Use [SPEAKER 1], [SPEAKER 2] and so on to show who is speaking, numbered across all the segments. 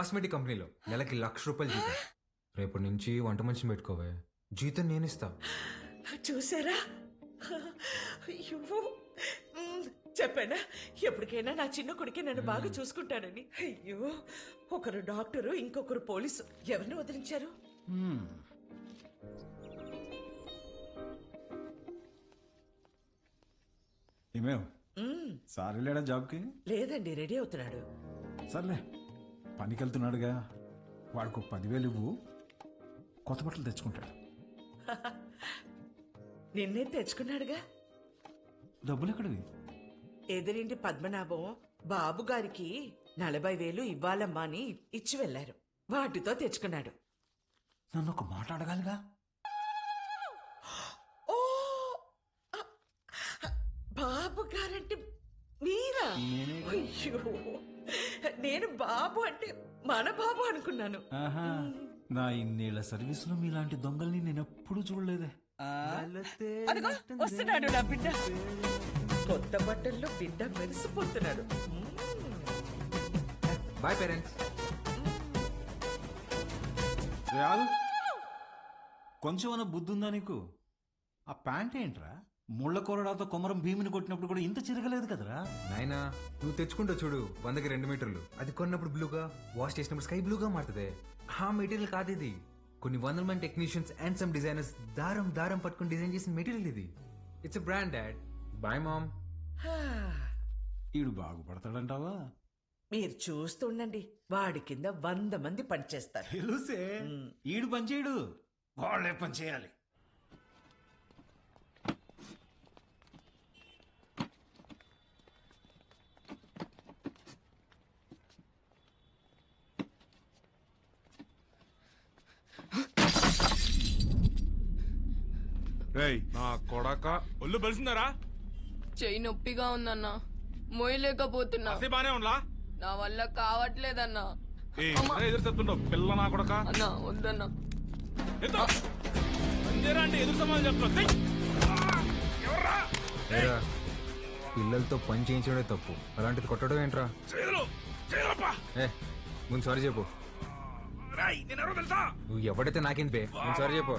[SPEAKER 1] Cosmetic కంపెనీలో నెలకి ₹1,00,000 జీతం. రేపటి నుంచి వంట మనిషిని పెట్టుకోవే, జీతం నేనిస్తా.
[SPEAKER 2] చూసారా? అయ్యో, చెప్పానా ఎప్పటికైనా నా చిన్న కొడుకే నన్ను బాగా చూసుకుంటానని. అయ్యో, ఒకరు డాక్టరు, ఇంకొకరు పోలీసు. ఎవరిని వదిలించారు?
[SPEAKER 3] ఏమేవ్ సార్ వెళ్ళాడా జాబ్కి?
[SPEAKER 2] లేదండి, రెడీ అవుతున్నాడు.
[SPEAKER 3] సర్లే, పనికి వెళ్తున్నాడుగా, వాడికి 10,000 ఇవ్వు, కొత్త బట్టలు తెచ్చుకుంటాడు.
[SPEAKER 2] నిన్నే తెచ్చుకున్నాడుగా.
[SPEAKER 3] డబ్బులు ఎక్కడివి?
[SPEAKER 2] ఎదురింటి పద్మనాభం బాబు గారికి 40,000 ఇవ్వాలమ్మా అని ఇచ్చి వెళ్లారు. వాటితో తెచ్చుకున్నాడు.
[SPEAKER 3] నన్ను ఒక మాట అడగాలిగా.
[SPEAKER 2] ఓ, బాబు గారంటే మీరా? అయ్యో, నేను బాబు అంటే మన బాబు అనుకున్నాను.
[SPEAKER 3] ఆహా, నా ఇన్నేళ్ల సర్వీస్ లో మీలాంటి దొంగల్ని నేను ఎప్పుడు చూడలేదే.
[SPEAKER 2] అదిగో వస్తున్నాడు నా బిడ్డ. కొత్త బట్టల్లో బిడ్డ మెరిసిపోతున్నాడు.
[SPEAKER 1] Boy parents.
[SPEAKER 3] రాదు, కొంచెమన్నా బుద్ధి ఉందా నీకు? ఆ ప్యాంట్ ఏంట్రా? ముళ్ళ కొరడాతో కొమరం భీమిని కొట్టినప్పుడు కూడా ఇంత చిరగలేదు కదరా.
[SPEAKER 1] నాయనా, నువ్వు తెచ్చుకుంటావు చూడు 100కి 2 మీటర్లు, అది కొన్నప్పుడు బ్లూగా, వాష్ చేసినప్పుడు స్కై బ్లూగా మారుతుంది. ఆ మెటీరియల్ కాదు ఇది. కొన్ని 100 మంది టెక్నీషియన్స్ అండ్ సమ్ డిజైనర్స్ దారం దారం పట్టుకుని డిజైన్ చేసిన మెటీరియల్ ఇది. It's a brand dad. Bye mom.
[SPEAKER 3] ఈడు బాగుపడతాడంటావా?
[SPEAKER 2] మీరు చూస్తుండండి, వాడి కింద 100 మంది పనిచేస్తారు.
[SPEAKER 3] తెలుసే, ఈడు పని చేయడు, వాళ్ళే పని చేయాలి.
[SPEAKER 4] నా కొడక ఒళ్ళు బలిసిందారా?
[SPEAKER 5] చెయ్యి నొప్పిగా ఉందన్నా, మోయలేకపోతున్నా.
[SPEAKER 4] బానే ఉండలా?
[SPEAKER 5] నా వల్ల కావట్లేదన్నా.
[SPEAKER 4] ఎదురు చెప్తుండవు పిల్ల నా కొడక.
[SPEAKER 5] అన్నా వద్దన్నా.
[SPEAKER 4] అంటే ఎదురు సమాధానం చెప్తున్నా.
[SPEAKER 1] ఏరా, పిల్లలతో పని చేయించడే తప్పు, అలాంటిది కొట్టడం ఏంట్రా? ఏ, ముందు సారీ చెప్పు. నువ్వు ఎవడైతే నాకేంది బే, ముందు సారీ చెప్పు.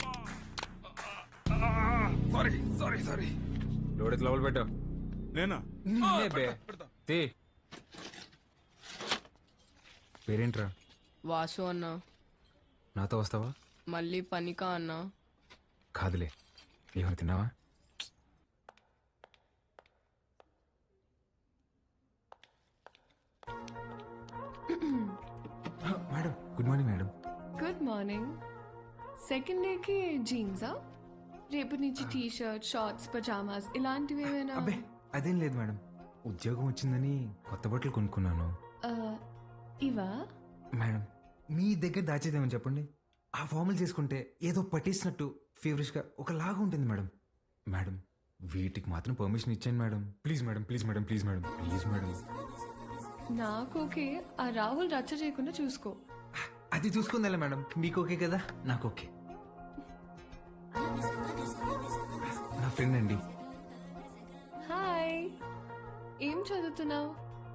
[SPEAKER 4] సారీ
[SPEAKER 1] లోడెత్తి లోపల పెట్టు.
[SPEAKER 4] నేనా?
[SPEAKER 1] బే పేరేంట్రా?
[SPEAKER 5] వాసు అన్నా.
[SPEAKER 1] నాతో వస్తావా?
[SPEAKER 5] మళ్ళీ పనికా అన్నా?
[SPEAKER 1] కాదులే, ఏమైనా తిన్నావా? Madam, good morning madam.
[SPEAKER 6] Good morning. Second డేకి జీన్సా? రేపు నుంచి టీ షర్ట్, షార్ట్స్, పజామాస్ ఇలాంటివి ఏమైనా?
[SPEAKER 1] అబ్బే అదేం లేదు మేడం, ఉద్యోగం వచ్చిందని కొత్త బట్టలు కొనుక్కున్నాను.
[SPEAKER 6] ఇవా?
[SPEAKER 1] మేడం, మీ దగ్గర దాచేదేమని చెప్పండి. ఆ ఫార్మల్ చేసుకుంటే ఏదో పట్టేసినట్టు ఫేవరెట్గా ఒకలాగా ఉంటుంది మేడం. మేడం, వీటికి మాత్రం పర్మిషన్ ఇచ్చాను madam. Please madam, please madam, please madam, please madam.
[SPEAKER 6] నాకు ఓకే, ఆ రాహుల్ రచ్చ చేయకుండా చూసుకో.
[SPEAKER 1] అది చూసుకుందా మేడం, మీకు ఓకే కదా, నాకు ఓకే. నా ఫ్రెండ్ అండి.
[SPEAKER 6] హాయ్, ఏం చదువుతున్నావు?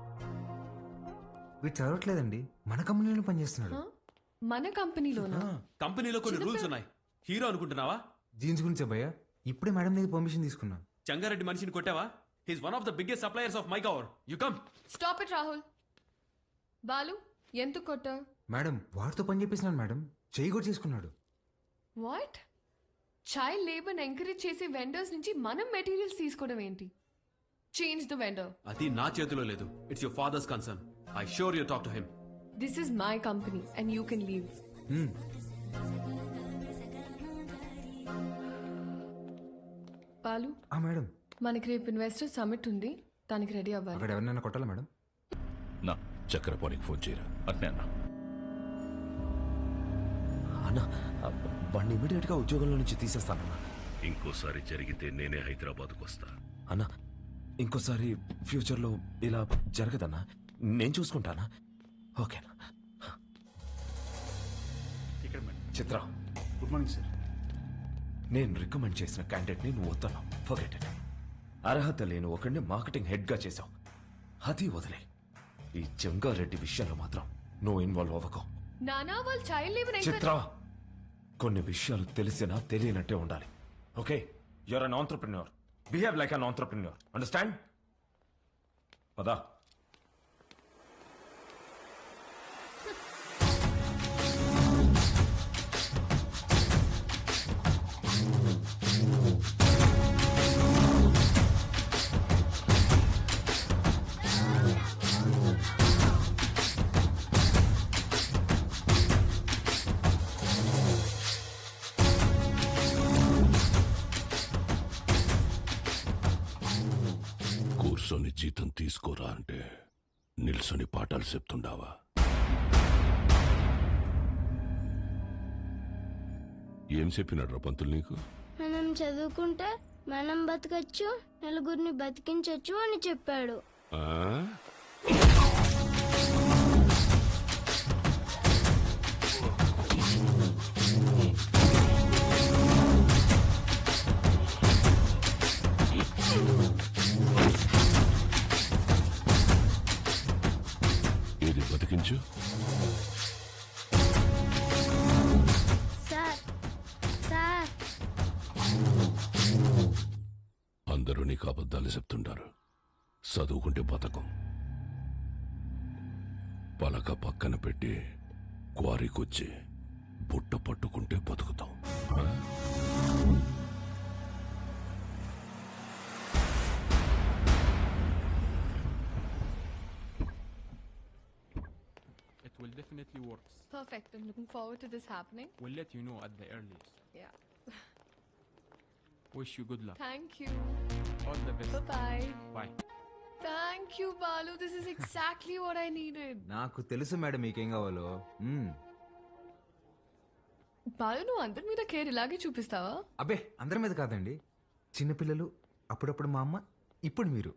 [SPEAKER 1] వీడు చదవట్లేదండి, మన కంపెనీలో పనిచేస్తున్నాడు.
[SPEAKER 6] మన కంపెనీలోనా?
[SPEAKER 7] కంపెనీలో కొన్ని రూల్స్ ఉన్నాయి. హీరో అనుకుంటున్నావా?
[SPEAKER 1] జీన్స్ గురించే భయ్యా, ఇప్పుడే మేడం దగ్గర పర్మిషన్ తీసుకున్నా.
[SPEAKER 7] చంగారెడ్డి మనిషిని కొట్టావా? He's one of the biggest suppliers of my cover. You come.
[SPEAKER 6] Stop it Rahul. Balu, ఎందుకు కొట్టావు?
[SPEAKER 1] మేడం, వాడితో పని చేపిస్తున్నాను మేడం, చేయి కూడా చేసుకున్నాడు.
[SPEAKER 6] వాట్? చైల్డ్ లేబర్ ఎంకరేజ్ చేసే వెండర్స్ నుంచి మనం మెటీరియల్స్ తీసుకోవడం ఏంటి? Change the vendor.
[SPEAKER 7] అది నా చేతిలో లేదు. It's your father's concern. I sure you talk to him.
[SPEAKER 6] This is my company and you can leave. Balu,
[SPEAKER 1] madam,
[SPEAKER 6] మనకి రేపు ఇన్వెస్టర్ సమిట్ ఉంది, దానికి రెడీ అవ్వాలి.
[SPEAKER 1] అక్కడ ఎవరినైనా కొట్టాలా మేడం?
[SPEAKER 8] నా చక్రపాణికి ఫోన్ చేయరా అట్నే అన్నా.
[SPEAKER 9] అన్నా, వాడిని ఇమీడియట్ గా ఉద్యోగంలో నుంచి తీసేస్తానన్నా.
[SPEAKER 8] ఇంకోసారి జరిగితే నేనే హైదరాబాద్కు వస్తా.
[SPEAKER 9] అన్నా, ఇంకోసారి ఫ్యూచర్ లో ఇలా జరగదన్నా, నేను చూసుకుంటానా? ఓకేనా? Chitra,
[SPEAKER 3] good morning sir.
[SPEAKER 9] నేను రికమెండ్ చేసిన క్యాండిడేట్ ని నువ్వు వద్దన్నావు. Forget it. అర్హత లేని ఒకడిని మార్కెటింగ్ హెడ్ గా చేశావు, అది వదిలే. ఈ జంగారెడ్డి విషయంలో మాత్రం నువ్వు ఇన్వాల్వ్ అవ్వకు.
[SPEAKER 6] నానా వాళ్ళు చైల్డ్ లేబర్
[SPEAKER 9] చిత్ర, కొన్ని విషయాలు తెలిసినా తెలియనట్టే ఉండాలి. Okay, you're an entrepreneur. Behave like an entrepreneur. Understand? పదా.
[SPEAKER 8] కూర్చొని జీతం తీసుకోరా అంటే నిల్సొని పాఠాలు చెప్తుండావా? ఏం చెప్పినాడ్రా పంతులు నీకు?
[SPEAKER 10] మనం చదువుకుంటే మనం బతకచ్చు, నలుగురిని బతికించచ్చు అని చెప్పాడు.
[SPEAKER 8] ఆ? ఏది బతికించు?
[SPEAKER 10] సార్ సార్
[SPEAKER 8] అందరూ నీకు అబద్ధాలు చెప్తుంటారు. చదువుకుంటే బతకం. పలక పక్కన పెట్టి క్వారీకొచ్చి బుట్ట పట్టుకుంటే బతుకుతాం. ఆ?
[SPEAKER 7] It will definitely work.
[SPEAKER 6] Perfect. I'm looking forward to this happening.
[SPEAKER 7] We'll let you know at the earliest.
[SPEAKER 6] Yeah.
[SPEAKER 7] Wish you good luck.
[SPEAKER 6] Thank you.
[SPEAKER 7] All the best.
[SPEAKER 6] Bye-bye.
[SPEAKER 7] Bye.
[SPEAKER 6] Thank you, Balu. This is exactly what I needed.
[SPEAKER 1] నాకు తెలుసు madam మీకేం కావాలో.
[SPEAKER 6] బాలు, నువ్వు అందరి మీద care ఇలాగే చూపిస్తావా?
[SPEAKER 1] అబ్బే, అందరి మీద కాదండి. చిన్నపిల్లలు, అప్పుడప్పుడు మా అమ్మ, ఇప్పుడు మీరు.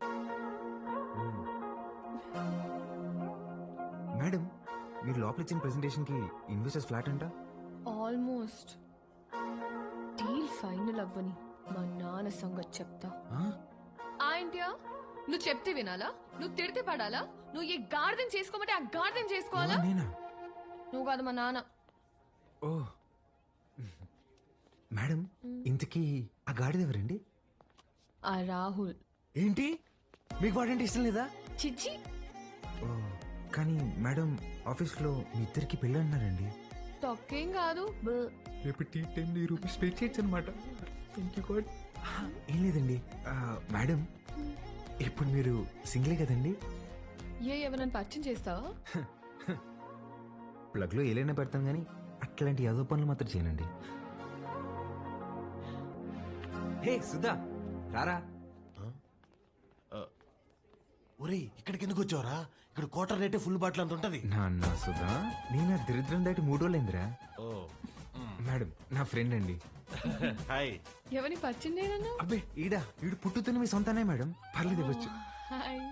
[SPEAKER 1] మేడం, మీరు లోపల ఇచ్చిన ప్రెజెంటేషన్ కి ఇన్వెస్టర్స్ ఫ్లాట్ అంట.
[SPEAKER 6] ఆల్మోస్ట్. డీల్ ఫైనల్ అవ్వని మా నాన్న సంగతి చెప్తా. ఏంటియా, నువ్వు చెప్తే వినాలా? నువ్వు తిడితే పడాలా? నువ్వు ఏ గార్డెన్ చేసుకోమంటే ఆ గార్డెన్ చేసుకోవాలా?
[SPEAKER 1] నేనా?
[SPEAKER 6] నువ్వు కాదు, మా నాన్న.
[SPEAKER 1] ఓ మేడం, ఇంతకీ ఆ గాడిద ఎవరండి?
[SPEAKER 6] ఆ రాహుల్.
[SPEAKER 1] ఏంటి, మీకు వాడంటే ఇష్టం లేదా?
[SPEAKER 6] చిచ్చి.
[SPEAKER 1] ఓ, కానీ మేడం ఆఫీస్లో మీ ఇద్దరికి పెళ్ళి అన్నారండి.
[SPEAKER 6] తొక్కేం కాదు.
[SPEAKER 1] రేపు టీ టైం రూపీస్ పే చేయొచ్చు అనమాట. ఏం లేదండి మేడం, ఇప్పుడు మీరు సింగిలే కదండి?
[SPEAKER 6] ఎవరైనా పరిచయం చేస్తావా?
[SPEAKER 1] ప్లగ్లో ఏలైనా పెడతాం కానీ అట్లాంటి యాదో పనులు మాత్రం చేయనండి. హే సుధా, రారా.
[SPEAKER 11] ఒరేయ్, ఇక్కడికి ఎందుకు వచ్చావరా? ఇక్కడ క్వార్టర్ రేటే ఫుల్ బాటిల్ అంత ఉంటది.
[SPEAKER 1] నాన్న సుధా, నేను ఆ దరిద్రం దాటి 3 రోజులైందిరా. మేడం నా ఫ్రెండ్ అండి.
[SPEAKER 11] హాయ్.
[SPEAKER 6] ఎవరిని పరిచయం చేయనన్నా?
[SPEAKER 1] అబ్బే, ఈడు పుట్టుతున్న మీ సొంతనే మేడం, పర్లేదు ఇవ్వచ్చు.
[SPEAKER 6] హాయ్.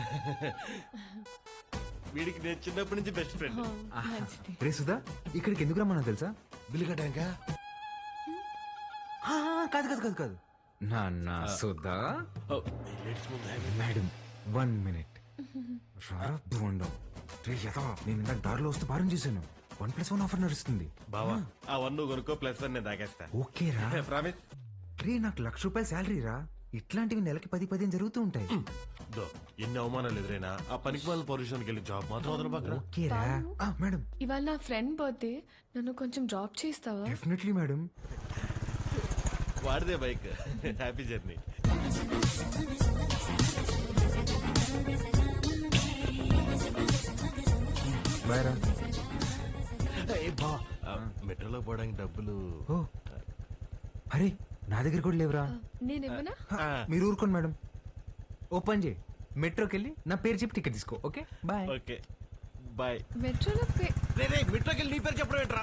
[SPEAKER 11] వీడికి నేను చిన్నప్పటి నుంచి బెస్ట్ ఫ్రెండ్.
[SPEAKER 1] రే సుధా, ఇక్కడికి ఎందుకు రమ్మన్నా తెలుసా?
[SPEAKER 11] బిల్లు కట్టాక?
[SPEAKER 1] కాదు కాదు కాదు కాదు నాన్న సుధా. Madam 1 minute. బోండం నేను ఇందాక దారిలో వస్తూ భారం చేశాను. 1+1 ఆఫర్ నడుస్తుంది.
[SPEAKER 11] బావా, ఆ 1 నువ్వు కొనుక్కో, +1 నేను తాగేస్తా.
[SPEAKER 1] ఓకే రా.
[SPEAKER 11] ప్రామిస్.
[SPEAKER 1] రే, నాకు ₹1,00,000 శాలరీ రా. ఇట్లాంటివి నెలకి 10-15 జరుగుతూ ఉంటాయి.
[SPEAKER 11] ఎన్ని అవమానాలు ఎదురైనా ఆ పనికి వాళ్ళ పొజిషన్కి వెళ్ళి జాబ్ మాత్రం వదలబాక.
[SPEAKER 1] ఓకే రా. మేడం,
[SPEAKER 6] ఇవాళ నా ఫ్రెండ్ బర్త్డే, నన్ను కొంచెం డ్రాప్ చేస్తావా?
[SPEAKER 1] Definitely madam.
[SPEAKER 11] వాడిదే బైక్. Happy journey.
[SPEAKER 1] బాయ్ రా.
[SPEAKER 11] మెట్రోలో పోవడానికి డబ్బులు.
[SPEAKER 1] ఓ అరే, నా దగ్గర కూడా లేవురా.
[SPEAKER 6] నేనేమన్నా?
[SPEAKER 1] మీరు ఊరుకోండి మేడం. ఓపెన్ చేయి, మెట్రోకి వెళ్ళి నా పేరు చెప్పి టికెట్ తీసుకో. Okay bye.
[SPEAKER 11] Okay bye.
[SPEAKER 6] మెట్రోలో
[SPEAKER 11] మెట్రోకి వెళ్ళి నీ పేరు చెప్పడం ఏంట్రా?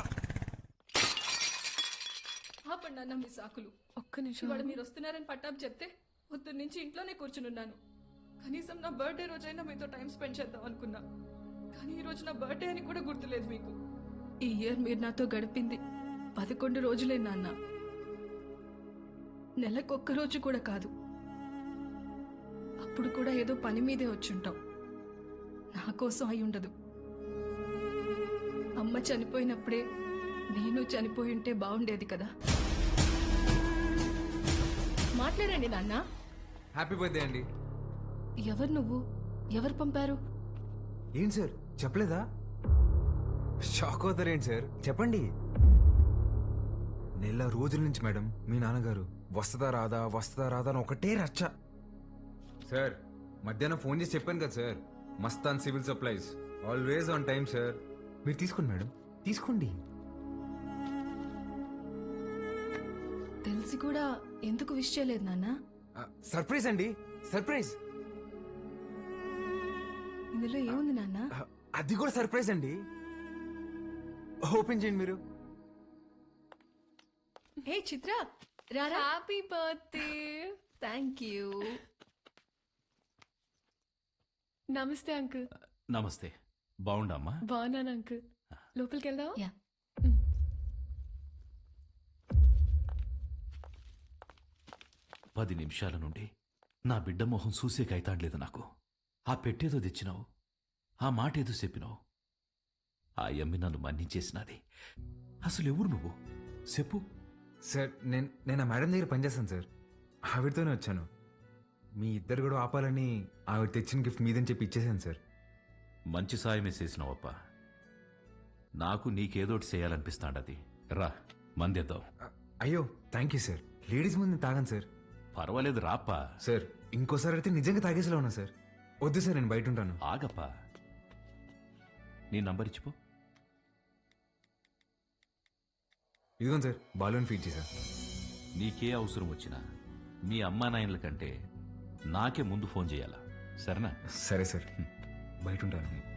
[SPEAKER 12] ఆపండి అన్న మీ సాకులు.
[SPEAKER 6] ఒక్క నిమిషం.
[SPEAKER 12] ఇవాళ మీరు వస్తున్నారని పట్టాపు చెప్తే పొద్దున్న నుంచి ఇంట్లోనే కూర్చునున్నాను. కనీసం నా బర్త్డే రోజైనా మీతో టైం స్పెండ్ చేద్దాం అనుకున్నా, కానీ ఈ రోజు నా బర్త్డే అని కూడా గుర్తులేదు మీకు. ఈ ఇయర్ మీరు నాతో గడిపింది 11 రోజులే నాన్న. నెలకొక్క రోజు కూడా కాదు. అప్పుడు కూడా ఏదో పని మీదే వచ్చుంటాం. నా కోసం అయి ఉండదు. అమ్మ చనిపోయినప్పుడే నేను చనిపోయి ఉంటే బాగుండేది కదా. మాట్లాడండి నాన్న.
[SPEAKER 1] హ్యాపీ బర్త్డే అండి.
[SPEAKER 12] ఎవరు నువ్వు? ఎవరు పంపారు?
[SPEAKER 1] ఏంటి సార్ చెప్పలేదా? షాక్ అవుతారేంటి సార్, చెప్పండి. నెల రోజుల నుంచి మేడం మీ నాన్నగారు వస్తుందా రాదా అని ఒకటే రచ్చ. సార్ మధ్యాహ్నం ఫోన్ చేసి చెప్పాను కదా sir, Mastan civil supplies always on time sir. మీరు తీసుకోండి మేడం, తీసుకోండి.
[SPEAKER 12] తెలిసి కూడా ఎందుకు విష్ చేయలేదు నాన్న?
[SPEAKER 1] సర్ప్రైజ్ అండి, సర్ప్రైజ్.
[SPEAKER 12] ఇందులో ఏముంది నాన్న?
[SPEAKER 1] అది కూడా సర్ప్రైజ్ అండి. ఓపెన్ చేయండి మీరు.
[SPEAKER 12] హే చిత్ర, రారా.
[SPEAKER 6] Happy birthday. Thank you. నమస్తే అంకుల్.
[SPEAKER 7] నమస్తే. బాగుండమ్మా?
[SPEAKER 6] బాగున్నాను అంకుల్. లోపలికి వెళ్దావా?
[SPEAKER 12] యా.
[SPEAKER 7] 10 నిమిషాల నుండి నా బిడ్డ మొహం చూసేకైతాండలేదు నాకు. ఆ పెట్టేదో తెచ్చినావు, ఆ మాట ఏదో చెప్పినావు. ఆ యమ్మి నన్ను మన్నించేసినది. అసలు ఎవరు నువ్వు చెప్పు.
[SPEAKER 1] సార్ నేను ఆ మేడం దగ్గర పనిచేస్తాను సార్, ఆవిడతోనే వచ్చాను. మీ ఇద్దరు కూడా ఆపాలని ఆవిడ తెచ్చిన గిఫ్ట్ మీదని చెప్పి ఇచ్చేసాను సార్.
[SPEAKER 7] మంచి సాయమే చేసినావప్ప. నాకు నీకేదోటి చేయాలనిపిస్తాండది. రా మందేద్దాం.
[SPEAKER 1] అయ్యో థ్యాంక్ యూ సార్. లేడీస్ ముందు తాగాను సార్.
[SPEAKER 7] పర్వాలేదు రాప్పా.
[SPEAKER 1] సార్ ఇంకోసారి అయితే నిజంగా తాగేసేలా ఉన్నా సార్. వద్దు సార్, నేను బయట ఉంటాను.
[SPEAKER 7] ఆగప్పా, నీ నంబర్ ఇచ్చిపో.
[SPEAKER 1] ఇదిగోండి సార్, బాలూన్ ఫీడ్ చేశా.
[SPEAKER 7] నీకే అవసరం వచ్చినా మీ అమ్మా నాయనల కంటే నాకే ముందు ఫోన్ చేయాలా? సరేనా?
[SPEAKER 1] సరే సార్, బయట ఉంటాను.